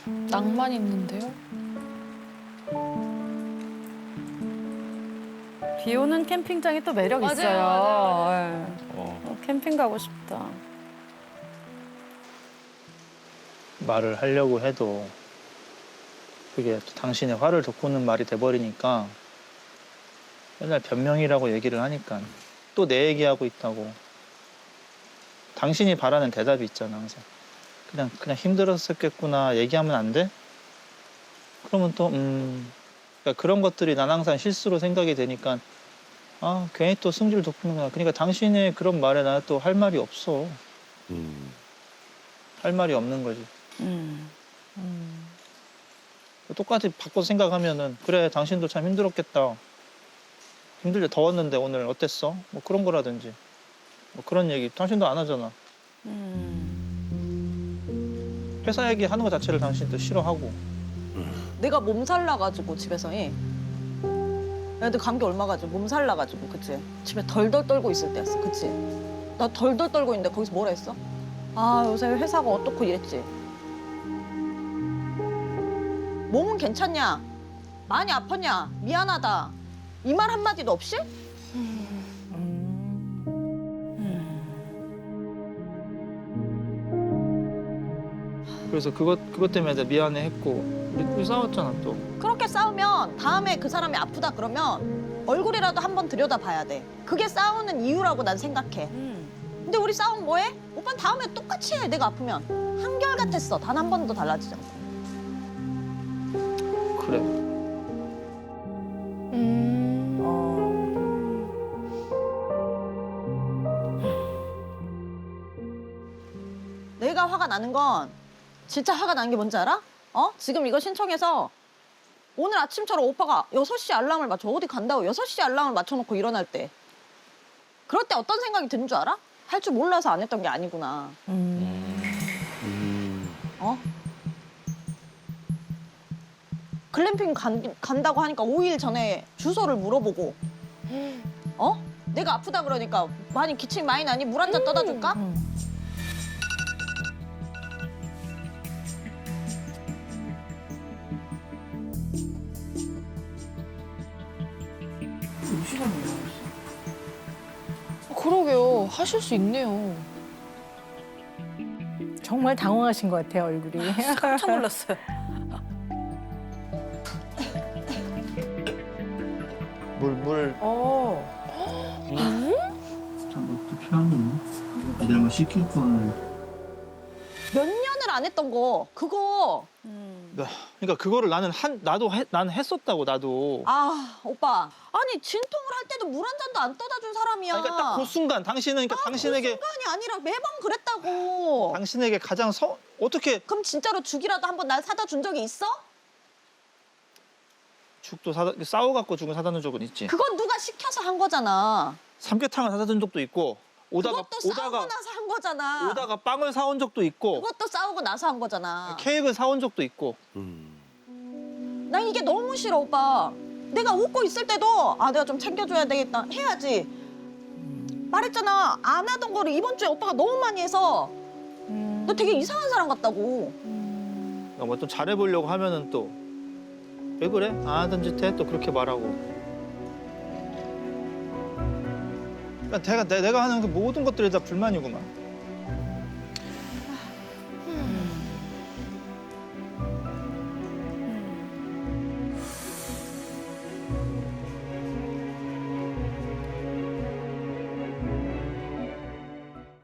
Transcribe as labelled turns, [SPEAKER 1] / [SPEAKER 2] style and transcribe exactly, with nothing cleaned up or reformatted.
[SPEAKER 1] 낭만 있는데요?
[SPEAKER 2] 비 오는 캠핑장이 또 매력
[SPEAKER 1] 맞아요,
[SPEAKER 2] 있어요.
[SPEAKER 1] 맞아요,
[SPEAKER 2] 예.
[SPEAKER 3] 어,
[SPEAKER 2] 어, 캠핑 가고 싶다.
[SPEAKER 3] 말을 하려고 해도 그게 또 당신의 화를 돋구는 말이 돼버리니까 맨날 변명이라고 얘기를 하니까 또 내 얘기하고 있다고. 당신이 바라는 대답이 있잖아 항상. 그냥 그냥 힘들었었겠구나 얘기하면 안 돼? 그러면 또 음. 그러니까 그런 것들이 난 항상 실수로 생각이 되니까 아 괜히 또 승질 돋구는구나. 그러니까 당신의 그런 말에 나는 또 할 말이 없어.
[SPEAKER 4] 음.
[SPEAKER 3] 할 말이 없는 거지.
[SPEAKER 2] 음. 음.
[SPEAKER 3] 똑같이 바꿔서 생각하면은 그래 당신도 참 힘들었겠다. 힘들게 더웠는데 오늘 어땠어? 뭐 그런 거라든지 뭐 그런 얘기 당신도 안 하잖아.
[SPEAKER 2] 음.
[SPEAKER 3] 회사 얘기 하는 거 자체를 당신도 싫어하고.
[SPEAKER 5] 내가 몸살 나가지고 집에서 이 애들 감기 얼마 가지고 몸살 나가지고 그치? 집에 덜덜 떨고 있을 때였어 그치? 나 덜덜 떨고 있는데 거기서 뭐라 했어? 아 요새 회사가 어떻고 이랬지? 몸은 괜찮냐? 많이 아팠냐? 미안하다 이 말 한마디도 없이?
[SPEAKER 3] 그래서 그것 그것 때문에 내가 미안해했고 우리, 우리 싸웠잖아 또.
[SPEAKER 5] 그렇게 싸우면 다음에 그 사람이 아프다 그러면 얼굴이라도 한번 들여다봐야 돼 그게 싸우는 이유라고 난 생각해
[SPEAKER 2] 음.
[SPEAKER 5] 근데 우리 싸움 뭐해? 오빠는 다음에 똑같이 해 내가 아프면 한결같았어 단 한 번도 달라지지 않고
[SPEAKER 3] 그래.
[SPEAKER 1] 음.
[SPEAKER 2] 어.
[SPEAKER 5] 내가 화가 나는 건 진짜 화가 나는 게 뭔지 알아? 어? 지금 이거 신청해서 오늘 아침처럼 오빠가 여섯 시 알람을 맞춰 어디 간다고 여섯 시 알람을 맞춰놓고 일어날 때 그럴 때 어떤 생각이 드는 줄 알아? 할 줄 몰라서 안 했던 게 아니구나
[SPEAKER 2] 음.
[SPEAKER 4] 음.
[SPEAKER 5] 어? 글램핑 간, 간다고 하니까 오 일 전에 주소를 물어보고 어? 내가 아프다 그러니까 많이 기침이 많이 나니 물 한 잔 떠다 줄까?
[SPEAKER 2] 음.
[SPEAKER 1] 그러게요. 하실 수 있네요.
[SPEAKER 6] 정말 당황하신 것 같아요, 얼굴이.
[SPEAKER 2] 깜짝 놀랐어요.
[SPEAKER 3] 물 물.
[SPEAKER 2] 어.
[SPEAKER 3] 참 필요한 거. 애들 뭐 시킬 거는.
[SPEAKER 5] 몇 년을 안 했던 거 그거
[SPEAKER 2] 음.
[SPEAKER 3] 그러니까 그거를 나는 한 나도 해, 나는 했었다고 나도.
[SPEAKER 5] 아 오빠 아니 진통을 할 때도 물 한 잔도 안 떠다 준 사람이야
[SPEAKER 3] 아니, 그러니까 딱 그 순간 당신은 그러니까 당신에게
[SPEAKER 5] 그 순간이 아니라 매번 그랬다고
[SPEAKER 3] 당신에게 가장 서 어떻게
[SPEAKER 5] 그럼 진짜로 죽이라도 한 번 날 사다 준 적이 있어?
[SPEAKER 3] 죽도 사다 싸워 갖고 죽은 사다 준 적은 있지.
[SPEAKER 5] 그건 누가 시켜서 한 거잖아
[SPEAKER 3] 삼계탕을 사다 준 적도 있고 오다가
[SPEAKER 5] 그것도 싸우고
[SPEAKER 3] 오다가
[SPEAKER 5] 나서 한 거잖아
[SPEAKER 3] 오다가 빵을 사온 적도 있고
[SPEAKER 5] 그것도 싸우고 나서 한 거잖아
[SPEAKER 3] 케이크를 사온 적도 있고.
[SPEAKER 4] 음.
[SPEAKER 5] 난 이게 너무 싫어 오빠 내가 웃고 있을 때도 아 내가 좀 챙겨줘야 되겠다 해야지 말했잖아 안 하던 거를 이번 주에 오빠가 너무 많이 해서 너 되게 이상한 사람 같다고
[SPEAKER 3] 그러니까 뭐 좀 잘해보려고 하면은 또 왜 그래? 안 하던 짓 해? 또 그렇게 말하고. 그러니까 내가 내, 내가 하는 그 모든 것들이 다 불만이구만.